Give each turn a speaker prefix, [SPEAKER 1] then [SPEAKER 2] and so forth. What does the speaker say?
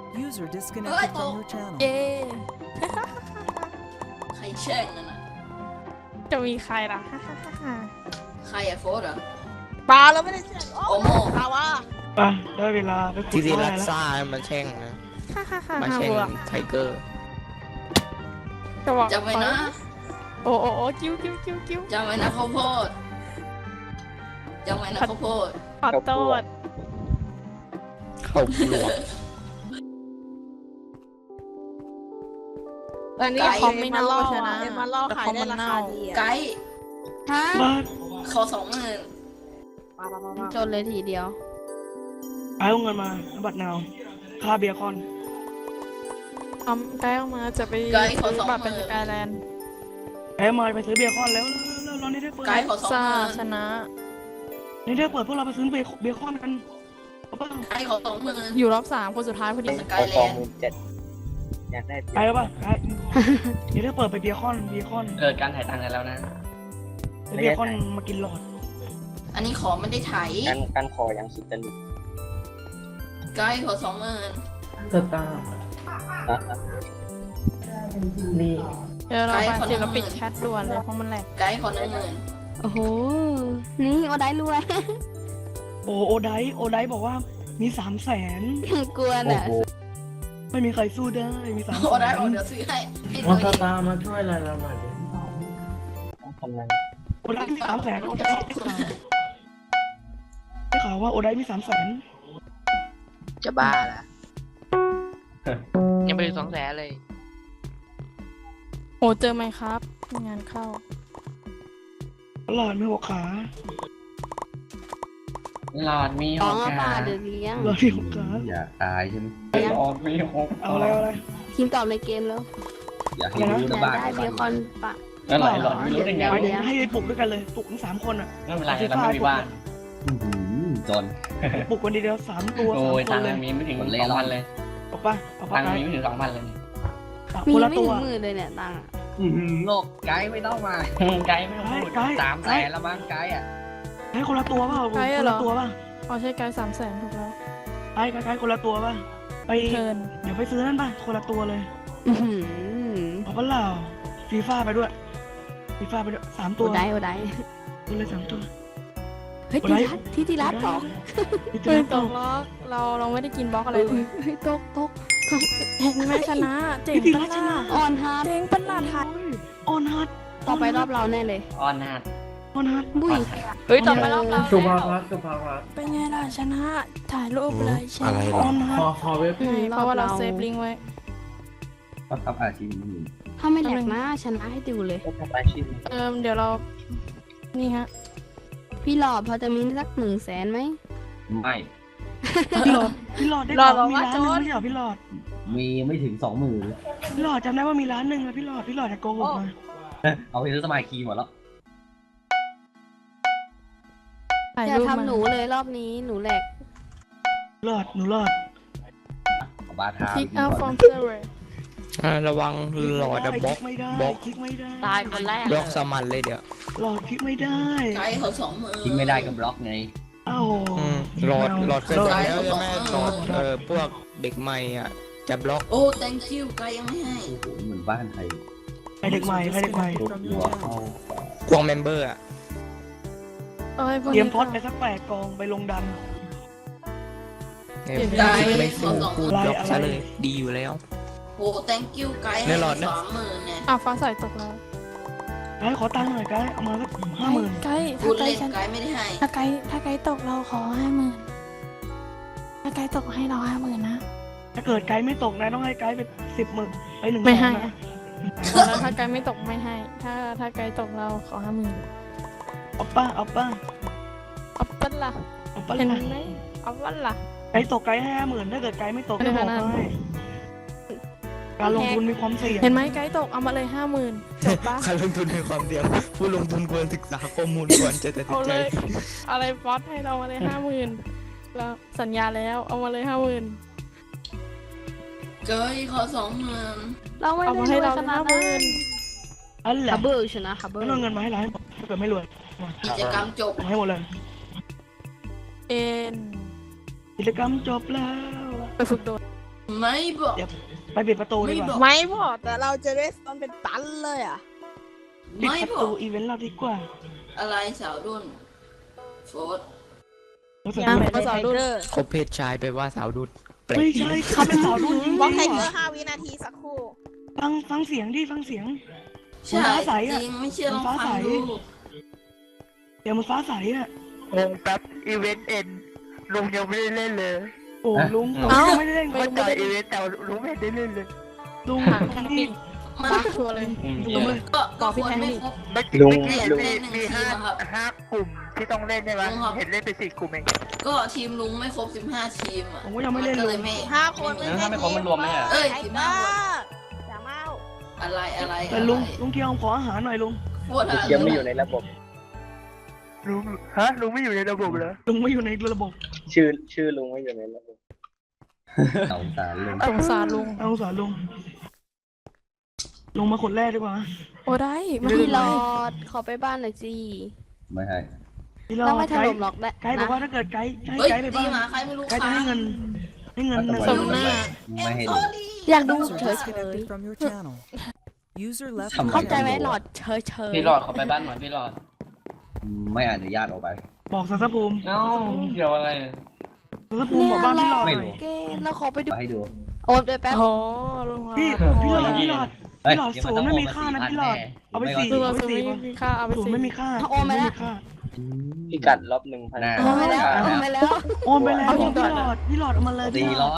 [SPEAKER 1] User disconnected from your channel.
[SPEAKER 2] เย้
[SPEAKER 3] ใครแช่งนั่นน่ะ
[SPEAKER 2] จะมีใครล่ะ
[SPEAKER 3] ใครอะโฟสเหรอ
[SPEAKER 2] ปลาเราไม่ได้เชื่อ
[SPEAKER 3] โอโม
[SPEAKER 2] ปลาวะ
[SPEAKER 4] ไปได้เวลาไปขุด
[SPEAKER 5] ที่
[SPEAKER 4] ไม้
[SPEAKER 5] รัก
[SPEAKER 4] แล้ว
[SPEAKER 5] ซ่ามันแช่งนะมา
[SPEAKER 2] ห้า
[SPEAKER 5] แช่ง
[SPEAKER 2] บัว
[SPEAKER 5] ไทเกอร์
[SPEAKER 2] จะบอก
[SPEAKER 3] จำไว้นะ
[SPEAKER 2] โอ้โอ้โอ้กิ้วกิ้วกิ้วกิ้ว
[SPEAKER 3] จำไว้นะข้าวโพดจำไว้นะข้าวโพด
[SPEAKER 2] ขอโทษ
[SPEAKER 5] เข้าปลวก
[SPEAKER 2] ตอนนี้คอมไม่เน่าชนะมาล่อขายได้ราคาดี
[SPEAKER 3] ไกด์
[SPEAKER 2] ฮะ
[SPEAKER 4] มา
[SPEAKER 3] ขอ20,000
[SPEAKER 2] จนเลยทีเดียว
[SPEAKER 4] เอาเงินมาบัตรนาวค่าเบียร์คอน
[SPEAKER 2] ไกด์ออกมาจะไปซื้อบัตรเป็นสกายแลนด์
[SPEAKER 4] แอมมาไปซื้อเบียร์คอนแล้วเรานี่ได้เปิด
[SPEAKER 3] ไกด์ขอ
[SPEAKER 2] ซาช
[SPEAKER 3] 20,000
[SPEAKER 2] นะ
[SPEAKER 4] นี่ได้เปิดพวกเราไปซื้อเบียร์คอนกันเอาเปล่า
[SPEAKER 3] ไกด์ขอ20,000
[SPEAKER 2] อยู่รอบ3คนสุดท้ายพอดี
[SPEAKER 3] สกายแลนด์
[SPEAKER 6] อยากได้
[SPEAKER 4] ไปแล้วป่ะไปนี่ได้เปิดไปเบียร์คอน
[SPEAKER 7] เกิดการถ่ายตังค์กันแล้วนะ
[SPEAKER 4] เบียร์คอนมากินหลอด
[SPEAKER 3] อันนี้ขอไม่ได้ไถ
[SPEAKER 6] การขอยังสุดตนุก
[SPEAKER 3] ไกด์ขอ20,000
[SPEAKER 7] สตาร์นี่
[SPEAKER 2] เดี๋ยวเราไปเดี๋ยวเราปิดแชทด่วนเลยเพราะมันแหลก
[SPEAKER 3] ไกด์ขอ10,000
[SPEAKER 8] โอ้โห นี่โอได้รวย
[SPEAKER 4] โอไดบอกว่ามี300,000
[SPEAKER 8] กลัวน่ะ
[SPEAKER 4] ไม่มีใครสู้ได้มี300,000
[SPEAKER 3] โอ้ได้เดี๋ยวซื้อให้
[SPEAKER 7] มอ
[SPEAKER 3] ตัว
[SPEAKER 7] ส
[SPEAKER 3] เอง
[SPEAKER 7] ตาร์มาช่วยอะไรเราหน่อยดิ
[SPEAKER 6] ต้องทำงาน
[SPEAKER 4] โอไดมี300,000โอไดได้ข่าวว่าโอไดมี300,000
[SPEAKER 5] จะบ้าละยังไม่ถึง200,000เลย
[SPEAKER 2] โอ้เจอไหมครับงานเข้า
[SPEAKER 4] หลอดไม่หัวขา
[SPEAKER 7] หลอดมี
[SPEAKER 8] น้
[SPEAKER 7] ห
[SPEAKER 8] อง
[SPEAKER 7] ก
[SPEAKER 8] เอาปลา
[SPEAKER 7] ขา
[SPEAKER 8] เดี๋ยวเลี้ยง
[SPEAKER 4] หลอดไม่หัวขา
[SPEAKER 6] อย่าตายใช่ไหม
[SPEAKER 7] หลอดมีหก
[SPEAKER 4] เอาอะไร
[SPEAKER 8] ทีมตอบในเกมแล้ว
[SPEAKER 6] อย่าให้รู้
[SPEAKER 8] อยา
[SPEAKER 6] นะ
[SPEAKER 8] ก
[SPEAKER 6] บ้าน
[SPEAKER 8] ได้เบคอนปะ
[SPEAKER 7] แล้วหลอดไม่รู้ได้ไง
[SPEAKER 4] ไป
[SPEAKER 7] วะ
[SPEAKER 4] ให้ปลุกด้วยกันเลยปลุกทั้ง3คนอ่ะ
[SPEAKER 7] ไม่เป็นไรเราไม่มีบ้าน
[SPEAKER 6] จน
[SPEAKER 4] ปลุกคนเดียว3 ตัว
[SPEAKER 7] โอ้ย
[SPEAKER 4] 3 ค
[SPEAKER 7] ตั
[SPEAKER 4] น
[SPEAKER 7] ง
[SPEAKER 4] เลย
[SPEAKER 7] ค์มีไม่ถึง
[SPEAKER 6] คนเล่ร่อน
[SPEAKER 7] 2,000เลย
[SPEAKER 4] เอาป่ะเอา
[SPEAKER 7] ตั
[SPEAKER 4] ป่ะ
[SPEAKER 7] งค์มีไม่ถึง2,000เลย
[SPEAKER 8] มี
[SPEAKER 4] คนละ
[SPEAKER 8] ไม่
[SPEAKER 4] ตั
[SPEAKER 8] ถึ
[SPEAKER 4] ว
[SPEAKER 8] ง10,000เลยเนี่ยตังค์อะ
[SPEAKER 6] โลกไกด์ไม่ต้องมา
[SPEAKER 7] ไกด์ไม่ต้องพูด
[SPEAKER 6] 300,000แล้วบ้างไกด์อ่ะ
[SPEAKER 4] ให้คนละตัวป่ะคนละตัวป่ะ
[SPEAKER 2] อ๋อใช่ไกด์300,000ถูกแล้ว
[SPEAKER 4] ไอ้คนละตัวป่ะไป
[SPEAKER 2] เทิร์น
[SPEAKER 4] เดี๋ยวไปซื้อนั่นป่ะคนละตัวเลย
[SPEAKER 8] อื้อหือ
[SPEAKER 4] เอาป่ะเปล่าฟีฟ่าไปด้วย3
[SPEAKER 8] โอ
[SPEAKER 4] ตัว
[SPEAKER 8] ได้โอได้
[SPEAKER 4] ตัวเลย3 ตัว
[SPEAKER 8] เฮ้ย
[SPEAKER 4] โอได้
[SPEAKER 8] ทีรัดตก
[SPEAKER 4] นี่ตั
[SPEAKER 2] เฮ้
[SPEAKER 4] วย
[SPEAKER 2] ตกล็อกเราไม่ได้กินบล็อกอะไรเลย
[SPEAKER 8] เฮ้ยตก
[SPEAKER 2] เห็นไหมชนะเจ๋งปะล่ะ
[SPEAKER 8] อ่อนฮาร์ด
[SPEAKER 2] เจ๋งปะล่ะไทย
[SPEAKER 4] ออนฮัท
[SPEAKER 8] ต่อไปรอบเราแน่เลย
[SPEAKER 7] ออนนาด
[SPEAKER 4] ออนฮัท
[SPEAKER 8] บุ้ย
[SPEAKER 2] เฮ้ยต่อไปรอบเรา
[SPEAKER 7] สุภา
[SPEAKER 2] แล้ว
[SPEAKER 7] พัฒน์สุภาพัฒน์
[SPEAKER 2] เป็นไงล่ะชนะถ่ายรูปเลยใช่
[SPEAKER 5] อะไร
[SPEAKER 4] อ
[SPEAKER 5] ล่ะ
[SPEAKER 4] อนฮัท
[SPEAKER 7] ขอเว็บ
[SPEAKER 2] เพราะว่าเราเซฟลิงก์ไว้
[SPEAKER 6] ก็ทำอาชีพนี้
[SPEAKER 8] ถ้าไม่แหลกนะชนะให้ดูเลย
[SPEAKER 6] ก็ทำอาชีพ
[SPEAKER 2] เดี๋ยวเรานี่ฮะ
[SPEAKER 8] พี่หลอดพอจะมีสัก100,000ไหม
[SPEAKER 6] ไม่
[SPEAKER 4] พี่หลอดได้ข่าวมี1,000,000ไม่ใช่เหรอพี่หลอด
[SPEAKER 6] มีไม่ถึง20,000
[SPEAKER 4] พี่หลอดจำได้ว่ามี1,000,000นะพี่หลอดจะโกหกมา
[SPEAKER 6] เอาไปซื้อสมายคีหมดแล้ว
[SPEAKER 2] ถ่าย
[SPEAKER 8] อย่า
[SPEAKER 2] รูปมา
[SPEAKER 8] ทำหนูเลยรอบนี้หนูแหลก
[SPEAKER 4] หนูหลอด
[SPEAKER 6] บาทา
[SPEAKER 2] พิกอัพฟอร์มเซอร์
[SPEAKER 5] ระวังหลอดอะบล็อก
[SPEAKER 4] ไม่ได้
[SPEAKER 5] บล็อก
[SPEAKER 4] คลิกไม่ได้
[SPEAKER 2] ตายคนแรก
[SPEAKER 5] บล็อกสมันเลยเดี๋ยว
[SPEAKER 4] หลอดคลิกไม่ได้
[SPEAKER 3] ไกด์ขอ20,000
[SPEAKER 6] ทิ้งไม่ได้ก็บล็อกไง
[SPEAKER 4] อ้าว
[SPEAKER 5] หลอดเคยบอกแล้วใช่ไหมหลอดพวกเด็กใหม่อ่ะจะบล็อก
[SPEAKER 3] โอ้ thank you ไกด์ยังไม่ให้
[SPEAKER 6] โอ้โหเหมือนบ้านใคร
[SPEAKER 4] ใครเด็กใหม่
[SPEAKER 6] รถหัวเข้า
[SPEAKER 5] พวกเมมเบอร์อ่ะ
[SPEAKER 4] เตรียมพอดไปสัก8 กองไปลงดัน
[SPEAKER 5] ไม่สู้พูดบล็อกซะเลยดีอยู่แล้ว
[SPEAKER 3] โอ้ thank you ไกด์
[SPEAKER 5] ใน
[SPEAKER 3] ให้
[SPEAKER 5] หลอดนะ
[SPEAKER 3] 20,000เนี่ย
[SPEAKER 2] ฟ้าใสตกแล้ว
[SPEAKER 4] ไกด์ขอตังค์หน่อยไกด์เอามาสัก50,000
[SPEAKER 2] ไกด์
[SPEAKER 3] พู
[SPEAKER 2] ถ้า
[SPEAKER 3] ด
[SPEAKER 2] ไก
[SPEAKER 3] เล่
[SPEAKER 2] ด์
[SPEAKER 3] นไกด์ไม่ได้ให้
[SPEAKER 2] ถ้าไกด์ตกเราขอ50,000ถ้าไกด์ตกให้เรา50,000นะ
[SPEAKER 4] ถ้าเกิดไกด์ไม่ตกนะต้องให้ไกด์ไป10,000ไป1
[SPEAKER 2] ไม่ให้
[SPEAKER 4] นะ
[SPEAKER 2] แล้วถ้าไกด์ไม่ตกไม่ให้ ถ้าไกด์ตกเราขอ50,000
[SPEAKER 4] เอาป้า
[SPEAKER 2] เอาปั้นล่ะ
[SPEAKER 4] เอาป้า
[SPEAKER 2] เห็น
[SPEAKER 4] เลย
[SPEAKER 2] ไหมเอาปั้นล่ะ
[SPEAKER 4] ไกด์ตกไกด์ให้50,000ถ้าเกิดไกด์ไม่ตกก็บอกให้การลงทุนมีความเสี่ยง
[SPEAKER 2] เห็นไหมไกด์ตกเอามาเลย50,000จบปะ
[SPEAKER 5] การลงทุนในความเสี่ยงผู้ลงทุนควรศึกษาข้อมูลก่อนจะตัดสิ
[SPEAKER 2] เอา
[SPEAKER 5] นใจ
[SPEAKER 2] เลยอะไรฟอสให้เรามาเลย50,000แล้วสัญญาแล้วเอามาเลย50,000
[SPEAKER 3] ไกด์ขอ20,000
[SPEAKER 8] เราไม่
[SPEAKER 2] เอา
[SPEAKER 8] ได้
[SPEAKER 2] มาร ให้
[SPEAKER 8] วย
[SPEAKER 2] เรา
[SPEAKER 8] ขนาดนั้น
[SPEAKER 2] 50,000
[SPEAKER 4] อันแหละ
[SPEAKER 8] ฮับเบิลชนะฮับเบิล
[SPEAKER 4] ไม่เอาเงินมาให้ร้านถ้าเกิดไม่รวย
[SPEAKER 3] กิจกรรมจบ
[SPEAKER 4] เอาให้หมดเลย
[SPEAKER 2] เอ็น
[SPEAKER 4] กิจกรรมจบแล้ว
[SPEAKER 2] ไปฝึกโดด
[SPEAKER 3] มไม่บอก
[SPEAKER 4] เดี๋ยวไปปิดประตูดีกว่า
[SPEAKER 8] ไม่บอกแต่เราจะได้ตอนเป็นตันเลยอ่ะ
[SPEAKER 4] ปิด
[SPEAKER 3] ไม่
[SPEAKER 4] ประ
[SPEAKER 3] บอ
[SPEAKER 4] ตู
[SPEAKER 3] ก
[SPEAKER 4] อีเวนต์เราดีกว่า
[SPEAKER 3] อะไรสาวรุ่นโฟร์
[SPEAKER 4] เราจะ
[SPEAKER 8] ยัง
[SPEAKER 4] ไม่
[SPEAKER 8] ภาษาดู
[SPEAKER 5] คบเพศชายไปว่าสาวดุดแปลก
[SPEAKER 4] ไม่ใช่เขาเป็นสาวรุ่นจริง
[SPEAKER 8] บล็อกไทเกอร์5 วินาทีสักครู่
[SPEAKER 4] ฟังเสียงดิฟังเสียง
[SPEAKER 3] ใช่
[SPEAKER 4] ฟ้าใสอะ
[SPEAKER 3] จริงไม่เชื่อลอง
[SPEAKER 4] ฟ้า
[SPEAKER 3] ฟั
[SPEAKER 4] ใส
[SPEAKER 3] งดู
[SPEAKER 4] เดี๋ยวมันฟ้าใสอ่ะ
[SPEAKER 5] งงแป๊บอีเวนต์เอ็นลุงยังไม่ได้เล่นเลย
[SPEAKER 4] โอ้ลุงผม
[SPEAKER 8] เอ้า
[SPEAKER 4] ไม่ได้เล่น
[SPEAKER 5] เข้าใจอีเวนต์แต่ลุงไม่ได้เล่นเลย
[SPEAKER 4] ลุงนี่
[SPEAKER 3] มัน
[SPEAKER 8] บักชัวร์เลย
[SPEAKER 4] ลุงเลย
[SPEAKER 3] ก็คนไม่ครบ
[SPEAKER 5] เมื่อกี้
[SPEAKER 6] ลุง
[SPEAKER 5] เห็น
[SPEAKER 6] ลุง
[SPEAKER 5] มีห้ากลุ่มที่ต้องเล่นใช่ไหม
[SPEAKER 3] ลุงครับ
[SPEAKER 5] เห็นเล่นไป4 กลุ่มเอง
[SPEAKER 3] ก็ทีมลุงไม่ครบ15 ทีมอ่ะ
[SPEAKER 4] ผมก็ยังไม่เล่น
[SPEAKER 3] ก็
[SPEAKER 4] เล
[SPEAKER 3] เลย ยไม่
[SPEAKER 8] 5 คน
[SPEAKER 7] ถ้าไม่ครบมันรวมไหมอ่ะ
[SPEAKER 3] เอ้ย
[SPEAKER 8] ไท
[SPEAKER 3] ทีม
[SPEAKER 8] เก
[SPEAKER 3] ห้า
[SPEAKER 8] อ
[SPEAKER 3] คน
[SPEAKER 8] ร์อย่าเมา
[SPEAKER 3] อะไร
[SPEAKER 4] แต่ลุงเกียวขออาหารหน่อยลุง
[SPEAKER 3] ปวดอะไร
[SPEAKER 6] ยังไม่อยู่ในระบบ
[SPEAKER 5] ลุงลุงไม่อยู่ในระบบเหรอ
[SPEAKER 4] ลุงไม่อยู่ในระบบ
[SPEAKER 6] ชื่อลุงไม่อยู่ในระบบสงสารลุง
[SPEAKER 2] สงสารลุง
[SPEAKER 4] เอาสารลุงลงมาคนแรกดีกว่า
[SPEAKER 2] โอ้ได้มา
[SPEAKER 8] พี่
[SPEAKER 2] พี่
[SPEAKER 8] หล
[SPEAKER 2] ร
[SPEAKER 8] อ
[SPEAKER 2] อ
[SPEAKER 8] ดขอไปบ้านหน่อยสิ
[SPEAKER 6] ไม่ให้
[SPEAKER 4] พี่รอ
[SPEAKER 8] ต้องไม่ถ
[SPEAKER 4] ไก
[SPEAKER 8] ล่
[SPEAKER 4] ด์
[SPEAKER 8] มหรอกได้
[SPEAKER 4] ไกด์บอกว่าถ้าเกิดไกด์ให้
[SPEAKER 3] เฮ้ย
[SPEAKER 4] ไกด์ไป
[SPEAKER 3] ตี
[SPEAKER 4] บ้าง
[SPEAKER 3] หมาใครไม่รู้
[SPEAKER 4] ไกด์จะให้เงินหนึ่ง
[SPEAKER 6] ส
[SPEAKER 4] หมื่น
[SPEAKER 6] ไม่ให้ดู
[SPEAKER 8] อยากดู
[SPEAKER 1] User
[SPEAKER 8] เฉย
[SPEAKER 1] disconnected from your channel. User left
[SPEAKER 6] ทำ
[SPEAKER 8] ๆ
[SPEAKER 6] ไม
[SPEAKER 8] เข้าใจไหมหลอดเฉย
[SPEAKER 7] พี่หลอดขอไปบ้านหน่อยพี่หลอด
[SPEAKER 6] ไม่อนุญาตออกไป
[SPEAKER 4] บอกสัตภูมิ
[SPEAKER 7] เอ้าเกี่ยวอะไร
[SPEAKER 4] สัตภูมิบอกบ้านพี่หลอด
[SPEAKER 6] ไม่
[SPEAKER 4] หน่
[SPEAKER 6] รู้
[SPEAKER 4] อย
[SPEAKER 8] เกเราขอไปดู
[SPEAKER 6] มาให้ดู
[SPEAKER 8] โอนด้วยแป๊บ
[SPEAKER 2] โอ้ลุง
[SPEAKER 4] พี่พี่หลอด
[SPEAKER 6] เฮ้ย
[SPEAKER 4] พี่หลอด
[SPEAKER 6] เดี๋ยว
[SPEAKER 4] ศูนย์ไม่มีค่านะพี่หลอดเอาไป4
[SPEAKER 2] ลุง
[SPEAKER 4] เอา
[SPEAKER 2] เอา
[SPEAKER 4] ไป
[SPEAKER 2] ซื้อ
[SPEAKER 4] 4
[SPEAKER 2] มีค่าเอาไป
[SPEAKER 4] ศูนย์
[SPEAKER 2] ซื้อ
[SPEAKER 4] ไม่มีค่า
[SPEAKER 8] โอนไปแล้ว
[SPEAKER 4] ค่า
[SPEAKER 6] พิกัดลบ1,000
[SPEAKER 8] โอนไปแล้วโอนไปแล้ว
[SPEAKER 4] โอนไปแล้วพี่หลอดเอามาเลย
[SPEAKER 6] 400